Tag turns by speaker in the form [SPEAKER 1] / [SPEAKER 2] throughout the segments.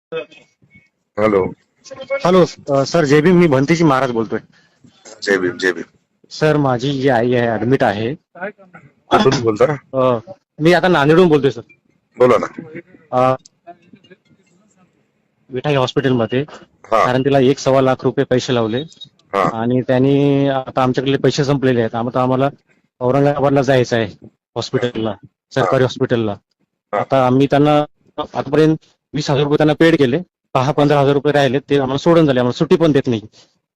[SPEAKER 1] Hello.
[SPEAKER 2] Hello. Sir जय भीम. मी भंतीजी महाराज बोलतोय.
[SPEAKER 1] जय भीम जय भीम.
[SPEAKER 2] सर माझी जी आई आहे ऍडमिट आहे.
[SPEAKER 1] कुठून बोलता?
[SPEAKER 2] मी आता नांदेडहून बोलतोय सर.
[SPEAKER 1] बोला ना.
[SPEAKER 2] विठाई हॉस्पिटलमध्ये.
[SPEAKER 1] हा
[SPEAKER 2] कारण तिला 1.25 लाख रुपये पैसे लावले
[SPEAKER 1] हा
[SPEAKER 2] आणि त्यांनी आता आमच्याकडे पैसे संपलेले आहेत. आता आम्हाला औरंगाबादला जायचं आहे हॉस्पिटलला,
[SPEAKER 1] हा
[SPEAKER 2] सरकारी हॉस्पिटलला.
[SPEAKER 1] हा.
[SPEAKER 2] आता आम्ही त्यांना आतापर्यंत 20,000 रुपये त्यांना पेड केले. 15,000 रुपये राहिले ते आम्हाला सोडून झाले. आम्हाला सुट्टी पण देत नाही.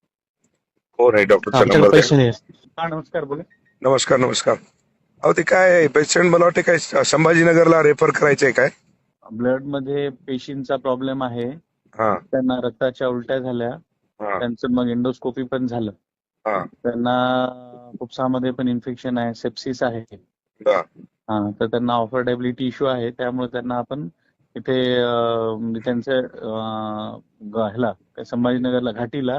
[SPEAKER 1] हो नाही, डॉक्टरचा
[SPEAKER 2] आमच्याकडे
[SPEAKER 1] नंबर द्या.
[SPEAKER 2] पैसे नाही. हा नमस्कार, बोला.
[SPEAKER 1] नमस्कार नमस्कार. अहो ते काय पेशंट मला वाटते काय संभाजीनगरला रेफर करायचंय काय?
[SPEAKER 3] ब्लड मध्ये पेशींचा प्रॉब्लेम आहे.
[SPEAKER 1] हा
[SPEAKER 3] त्यांना रक्ताच्या उलट्या झाल्या.
[SPEAKER 1] हा
[SPEAKER 3] त्यांचं मग एंडोस्कोपी पण झालं.
[SPEAKER 1] हा.
[SPEAKER 3] त्यांना फुफ्सामध्ये पण इन्फेक्शन आहे, सेप्सिस आहे.
[SPEAKER 1] बर.
[SPEAKER 3] तर त्यांना ऑफर्डेबिलिटी इश्यू आहे. त्यामुळे त्यांना आपण इथे म्हणजे त्यांच्या ह्याला काय संभाजीनगरला घाटीला.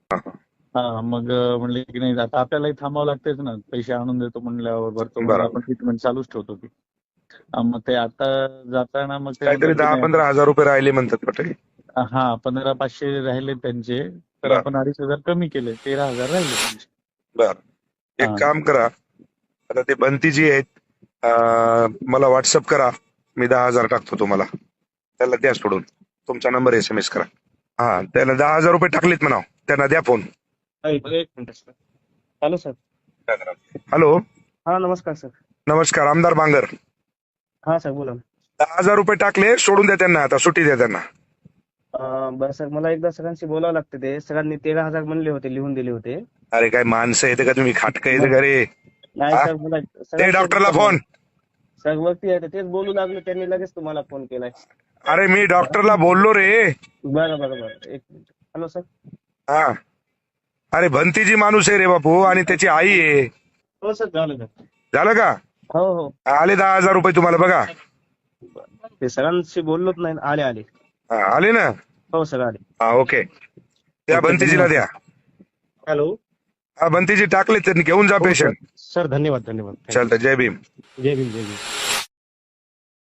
[SPEAKER 3] मग म्हणले की नाही आता आपल्यालाही थांबावं लागतेच ना, पैसे आणून देतो म्हणल्यावर भरतो म्हणून
[SPEAKER 1] बरोबर.
[SPEAKER 3] आपण ट्रीटमेंट चालूच ठेवतो की. मग ते आता जाताना मग ते
[SPEAKER 1] काहीतरी
[SPEAKER 3] म्हणतात की नाही,
[SPEAKER 1] 10-15 हजार रुपये राहिले म्हणतात वाटते.
[SPEAKER 3] 15,500 राहिले त्यांचे. तर
[SPEAKER 1] बर
[SPEAKER 3] आपण 2,500 कमी केले, 13,000 राहिले त्यांचे.
[SPEAKER 1] बर. एक
[SPEAKER 3] हा.
[SPEAKER 1] काम करा, आता ते बंतीजी आहेत, मला व्हॉट्सअप करा. मी 10,000 टाकतो तुम्हाला. त्याला द्या सोडून. तुमचा नंबर SMS करा. हा, त्याला 10,000 रुपये टाकलेत म्हणा. त्यांना द्या फोन.
[SPEAKER 2] एक minute sir. Hello sir.
[SPEAKER 1] Hello.
[SPEAKER 2] हा नमस्कार सर.
[SPEAKER 1] नमस्कार. आमदार बांगर.
[SPEAKER 2] हा सर बोला.
[SPEAKER 1] 10,000 रुपये टाकले, सोडून द्या त्यांना. आता सुट्टी द्या त्यांना.
[SPEAKER 2] बरं सर, मला एकदा सगळ्यांशी बोलावं लागतं. ते सगळ्यांनी 13,000 म्हणले होते, लिहून दिले होते.
[SPEAKER 1] अरे काय माणसं येते का तुम्ही? खाटकं येते का रे?
[SPEAKER 2] नाही
[SPEAKER 1] हा?
[SPEAKER 2] सर, मला
[SPEAKER 1] ते डॉक्टरला फोन.
[SPEAKER 2] सर वरती आहे तेच बोलू लागले, त्यांनी लगेच तुम्हाला फोन केलाय.
[SPEAKER 1] अरे मी डॉक्टरला बोललो रे.
[SPEAKER 2] बरं बरं बरं, एक मिनिट. Hello sir.
[SPEAKER 1] हा. अरे भंतीजी माणूस आहे रे बापू, आणि त्याची आई आहे.
[SPEAKER 2] हो सर, झालं.
[SPEAKER 1] झालं का?
[SPEAKER 2] हो हो.
[SPEAKER 1] आले 10,000 रुपये तुम्हाला बघा.
[SPEAKER 2] ते सगळ्यांशी बोललोच नाही. आले आले.
[SPEAKER 1] हा, आले ना.
[SPEAKER 2] हो सर आले.
[SPEAKER 1] हा ओके. त्या भंतीजीला द्या.
[SPEAKER 2] हॅलो.
[SPEAKER 1] हा, भंतीजी टाकले, त्यांनी घेऊन जा पेशंट.
[SPEAKER 2] सर धन्यवाद धन्यवाद.
[SPEAKER 1] चालतं. जय भीम.
[SPEAKER 2] जय भीम जय भीम.